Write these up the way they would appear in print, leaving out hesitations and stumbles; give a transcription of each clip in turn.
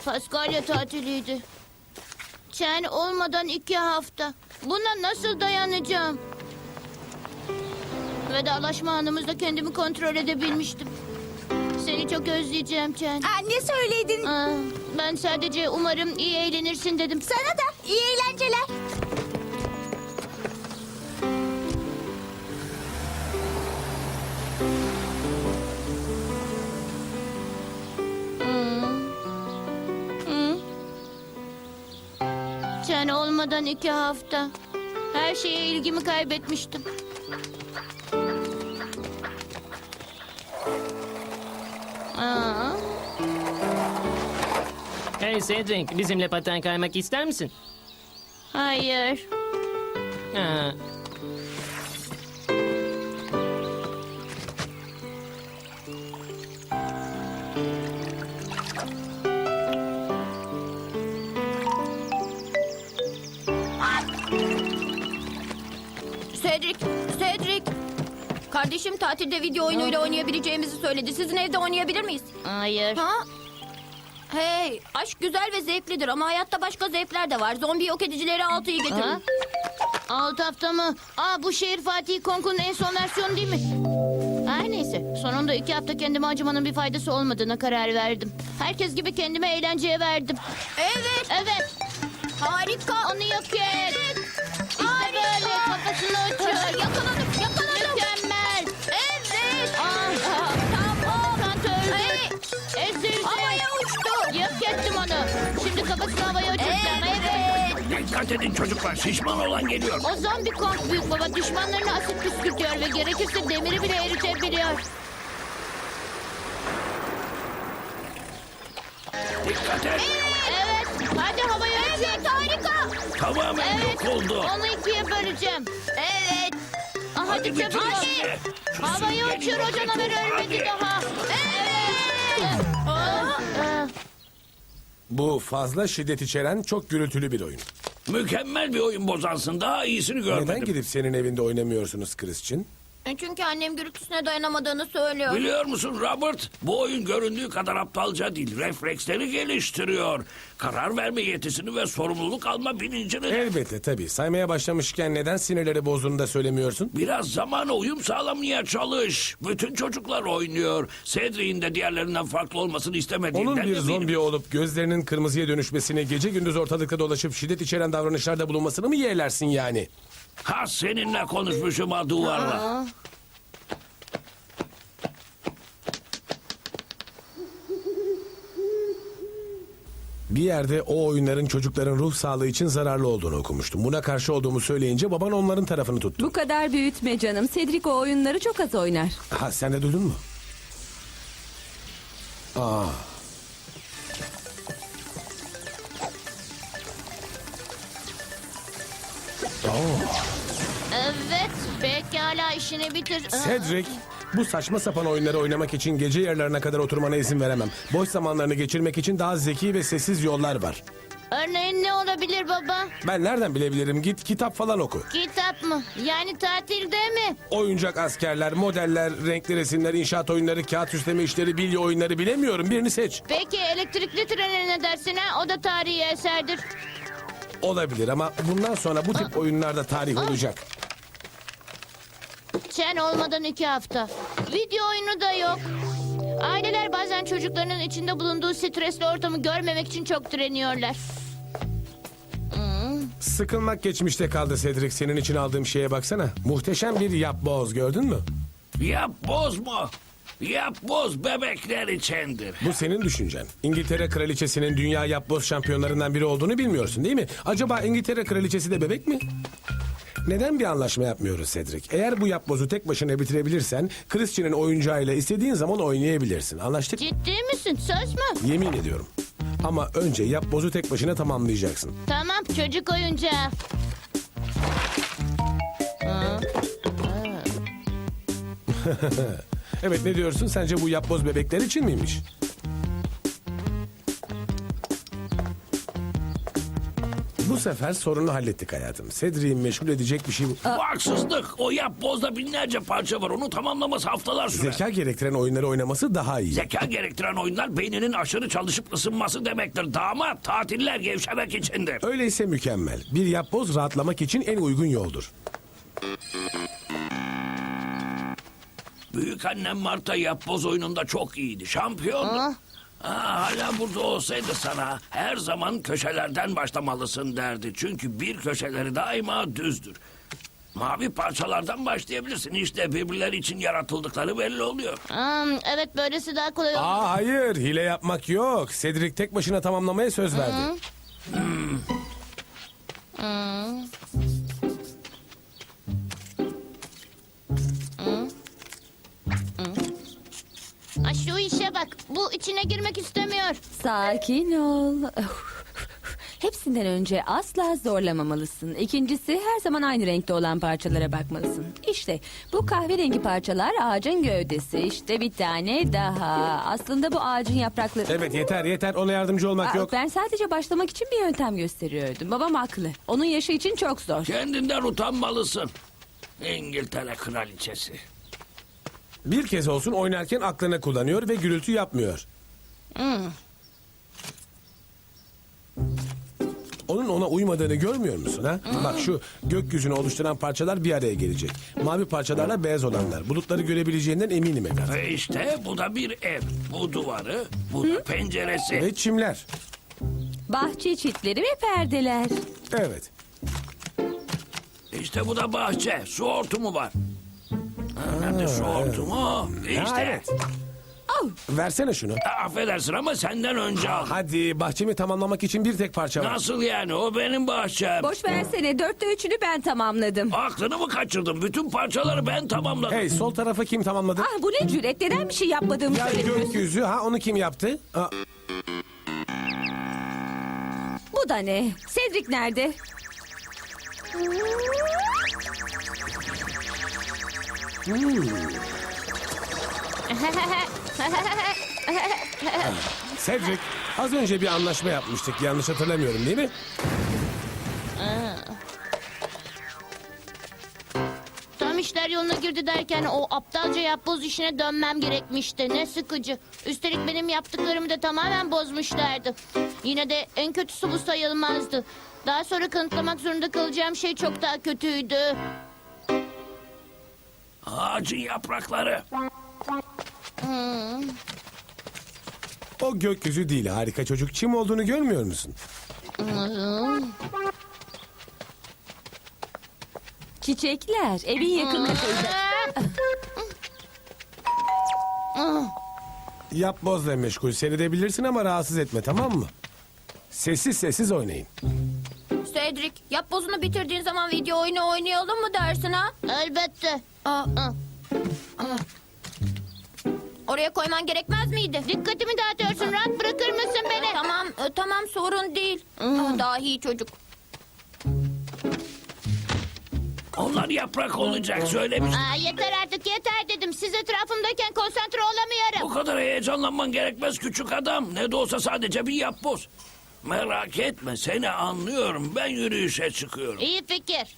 Paskalya tatiliydi. Çen olmadan 2 hafta. Buna nasıl dayanacağım? Vedalaşma anımızda kendimi kontrol edebilmiştim. Seni çok özleyeceğim Çen. Ne söyledin? Ben sadece umarım iyi eğlenirsin dedim. Sana da iyi eğlenceler. Çen olmadan 2 hafta. Her şeye ilgimi kaybetmiştim. Hey Cedric, bizimle paten kaymak ister misin? Hayır. Ha. Cedric. Kardeşim tatilde video oyunuyla oynayabileceğimizi söyledi. Sizin evde oynayabilir miyiz? Hayır. Ha? Hey, aşk güzel ve zevklidir ama hayatta başka zevkler de var. Zombi yok edicileri 6'yı getirin. Ha? 6 hafta mı? Bu şehir Fatih Konku'nun en son versiyonu değil mi? Her neyse. Sonunda 2 hafta kendime acımanın bir faydası olmadığına karar verdim. Herkes gibi kendime eğlenceye verdim. Evet. Evet. Harika. Onu yok et. İşte böyle kafasını uçur. Yakaladım. Mükemmel. Evet. Tamam. Kant öldü. Hey, Ezildi. havaya uçtu. Yok ettim onu. Şimdi kafasını havaya uçuracağım. Evet. Dikkat edin çocuklar, şişman olan geliyor. O zombi Kong büyük baba düşmanlarına asit püskürtüyor ve gerekirse demiri bile eritebiliyor. Dikkat et. Evet. Hadi havaya uçur. Evet, harika. Tamamen Evet. yok oldu. Onu 2'ye böleceğim. Evet. Hadi bitir çabuk ol. işini. Şu Havaya süngeri uçur, o yok et. canavar ölmedi Hadi. daha. Evet. Bu fazla şiddet içeren çok gürültülü bir oyun. Mükemmel bir oyun bozansın. Daha iyisini görmedim. Neden gidip senin evinde oynamıyorsunuz Christian? Çünkü annem gürültüsüne dayanamadığını söylüyor. Biliyor musun Robert? Bu oyun göründüğü kadar aptalca değil. Refleksleri geliştiriyor. Karar verme yetisini ve sorumluluk alma bilincini. Elbette tabii. Saymaya başlamışken neden sinirleri bozduğunu da söylemiyorsun? Biraz zamana uyum sağlamaya çalış. Bütün çocuklar oynuyor. Cedric'in de diğerlerinden farklı olmasını istemediğinden Onun bir eminim. zombi olup gözlerinin kırmızıya dönüşmesini, gece gündüz ortalıkta dolaşıp şiddet içeren davranışlarda bulunmasını mı yeğlersin yani? Ha seninle konuşmuşum ha duvarla. Bir yerde o oyunların çocukların ruh sağlığı için zararlı olduğunu okumuştum. Buna karşı olduğumu söyleyince baban onların tarafını tuttu. Bu kadar büyütme canım. Cedric o oyunları çok az oynar. Ha sen de duydun mu? Aa. Evet. Pekala işini bitir. Cedric, bu saçma sapan oyunları oynamak için gece yarılarına kadar oturmana izin veremem. Boş zamanlarını geçirmek için daha zeki ve sessiz yollar var. Örneğin ne olabilir baba? Ben nereden bilebilirim? Git kitap falan oku. Kitap mı? Yani tatilde mi? Oyuncak askerler, modeller, renkli resimler, inşaat oyunları, kağıt süsleme işleri, bilye oyunları bilemiyorum. Birini seç. Peki elektrikli trene ne dersin ha? O da tarihi eserdir. Olabilir ama bundan sonra bu tip oyunlarda tarih olacak. Çen olmadan 2 hafta. Video oyunu da yok. Aileler bazen çocuklarının içinde bulunduğu stresli ortamı görmemek için çok direniyorlar. Sıkılmak geçmişte kaldı Cedric. Senin için aldığım şeye baksana. Muhteşem bir yapboz gördün mü? Yap bozma. Yap boz bebekler içindir. Bu senin düşüncen. İngiltere Kraliçesi'nin dünya yapboz şampiyonlarından biri olduğunu bilmiyorsun değil mi? Acaba İngiltere Kraliçesi de bebek mi? Neden bir anlaşma yapmıyoruz Cedric? Eğer bu yapbozu tek başına bitirebilirsen Christian'ın oyuncağıyla istediğin zaman oynayabilirsin. Anlaştık? Ciddi misin? Söz mü? Yemin ediyorum. Ama önce yapbozu tek başına tamamlayacaksın. Tamam çocuk oyuncağı. Evet ne diyorsun? Sence bu yapboz bebekler için miymiş? Bu Bu sefer sorunu hallettik hayatım. Cedric'i meşgul edecek bir şey bu. Bu haksızlık. O yapbozda binlerce parça var. Onu tamamlaması haftalar sürer. Zeka gerektiren oyunları oynaması daha iyi. Zeka gerektiren oyunlar beyninin aşırı çalışıp ısınması demektir. Damat, tatiller gevşemek içindir. Öyleyse mükemmel. Bir yapboz rahatlamak için en uygun yoldur. Büyük annem Marta yapboz oyununda çok iyiydi. Şampiyondu. Hala burada olsaydı sana her zaman köşelerden başlamalısın derdi. Çünkü bir köşeleri daima düzdür. Mavi parçalardan başlayabilirsin. İşte birbirleri için yaratıldıkları belli oluyor. Evet, böylesi daha kolay olur. Hayır, hile yapmak yok. Cedric tek başına tamamlamaya söz verdi. Şu işe bak. Bu içine girmek istemiyor. Sakin ol. Hepsinden önce asla zorlamamalısın. İkincisi her zaman aynı renkte olan parçalara bakmalısın. İşte bu kahverengi parçalar ağacın gövdesi. İşte bir tane daha. Aslında bu ağacın yaprakları... Evet, yeter. Ona yardımcı olmak yok. Ben sadece başlamak için bir yöntem gösteriyordum. Babam haklı. Onun yaşı için çok zor. Kendinden utanmalısın. İngiltere kraliçesi. Bir kez olsun oynarken aklını kullanıyor ve gürültü yapmıyor. Onun ona uymadığını görmüyor musun ha? Bak şu gökyüzünü oluşturan parçalar bir araya gelecek. Mavi parçalarla beyaz olanlar. Bulutları görebileceğinden eminim Edgar. Ve işte bu da bir ev. Bu duvarı, bu da penceresi. Ve çimler. Bahçe çitleri ve perdeler. Evet. İşte bu da bahçe. Su hortumu var. Nerede su hortumu? İşte. Ha, evet. Versene şunu. Affedersin ama senden önce al. Hadi bahçemi tamamlamak için bir tek parça var. Nasıl yani? O benim bahçem. Boş versene 4'te 3'ünü ben tamamladım. Aklını mı kaçırdın? Bütün parçaları ben tamamladım. Hey, sol tarafa kim tamamladı? Bu ne cüret? Neden bir şey yapmadığımı Ya söylemiyorsun? gökyüzü ha, onu kim yaptı? Bu da ne? Cedric nerede? Cedric, az önce bir anlaşma yapmıştık. Yanlış hatırlamıyorum değil mi? Tam işler yoluna girdi derken o aptalca yapboz işine dönmem gerekmişti. Ne sıkıcı. Üstelik benim yaptıklarımı da tamamen bozmuşlardı. Yine de en kötüsü bu sayılmazdı. Daha sonra kanıtlamak zorunda kalacağım şey çok daha kötüydü. Ağacın yaprakları. O gökyüzü değil, harika çocuk. Çim olduğunu görmüyor musun? Çiçekler. Evin yakınında. Yapbozla meşgul seyredebilirsin ama rahatsız etme, tamam mı? Sessiz oynayın. Cedric, yapbozunu bitirdiğin zaman video oyunu oynayalım mı dersin ha? Elbette. Oraya koyman gerekmez miydi? Dikkatimi dağıtıyorsun. Rahat bırakır mısın beni? Tamam sorun değil. Dahi çocuk. Onlar yaprak olacak söylemiş. Yeter artık, yeter dedim. Siz etrafımdayken konsantre olamıyorum. Bu kadar heyecanlanman gerekmez küçük adam. Ne de olsa sadece bir yapboz. Merak etme, seni anlıyorum. Ben yürüyüşe çıkıyorum. İyi fikir.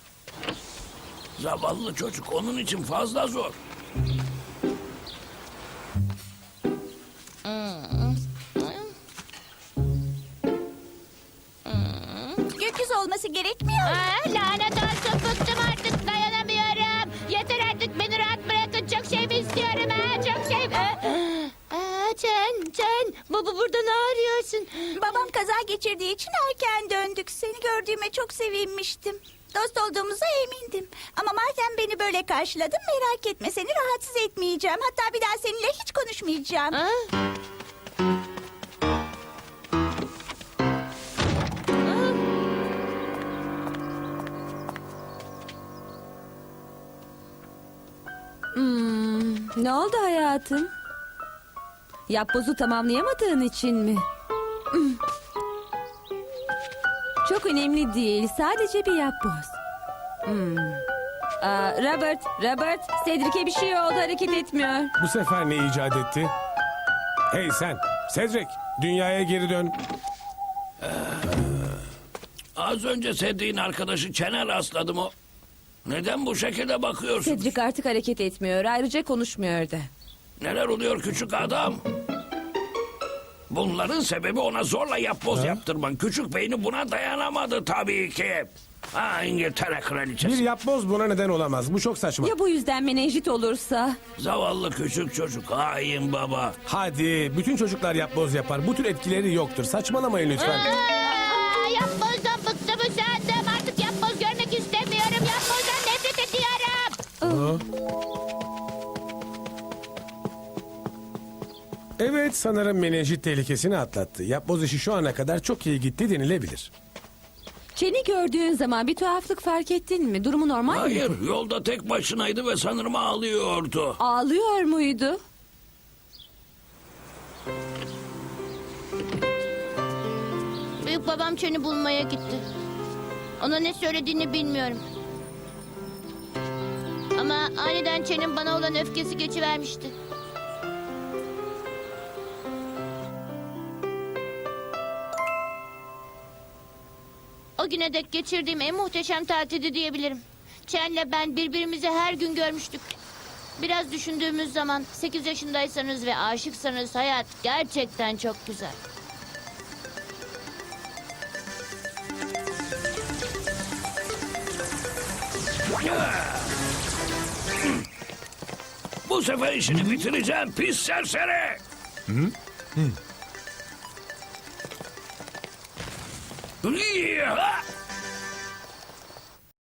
Zavallı çocuk, onun için fazla zor. Gökyüzü olması gerekmiyor. Lanet olsun, bıktım artık, dayanamıyorum. Yeter artık, beni rahat bırakın. Çok şey mi istiyorum ha? Çok şey mi? Can, baba burada ne arıyorsun? Babam kaza geçirdiği için erken döndük. Seni gördüğüme çok sevinmiştim. Dost olduğumuza emindim. Ama madem beni böyle karşıladın merak etme. Seni rahatsız etmeyeceğim. Hatta bir daha seninle hiç konuşmayacağım. Ne oldu hayatım? Yapbozu tamamlayamadığın için mi? Çok önemli değil. Sadece bir yapboz. Robert, Cedric'e bir şey oldu, hareket etmiyor. Bu sefer ne icat etti? Hey sen, Cedric, dünyaya geri dön. Az önce sevdiğin arkadaşı Çen'e rastladım o. Neden bu şekilde bakıyorsun? Cedric artık hareket etmiyor. Ayrıca konuşmuyor da. Neler oluyor küçük adam? Bunların sebebi ona zorla yapboz yaptırman. Küçük beyni buna dayanamadı tabii ki. Ha, İngiltere kraliçesi. Bir yapboz buna neden olamaz. Bu çok saçma. Ya bu yüzden menenjit olursa? Zavallı küçük çocuk. Hain baba. Hadi bütün çocuklar yapboz yapar. Bu tür etkileri yoktur. Saçmalamayın lütfen. Yapbozdan bıktım usandım. Artık yapboz görmek istemiyorum. Yapbozdan nefret ediyorum. Evet, sanırım menenjit tehlikesini atlattı. Yapboz işi şu ana kadar çok iyi gitti denilebilir. Çeni gördüğün zaman bir tuhaflık fark ettin mi? Durumu normal mi? Hayır, yolda tek başınaydı ve sanırım ağlıyordu. Ağlıyor muydu? Büyük babam Çen'i bulmaya gitti. Ona ne söylediğini bilmiyorum. Ama aniden Çen'in bana olan öfkesi geçivermişti. O güne dek geçirdiğim en muhteşem tatildi diyebilirim. Çen'le ben birbirimizi her gün görmüştük. Biraz düşündüğümüz zaman 8 yaşındaysanız ve aşıksanız hayat gerçekten çok güzel. Bu sefer işini bitireceğim pis serseri. Ya!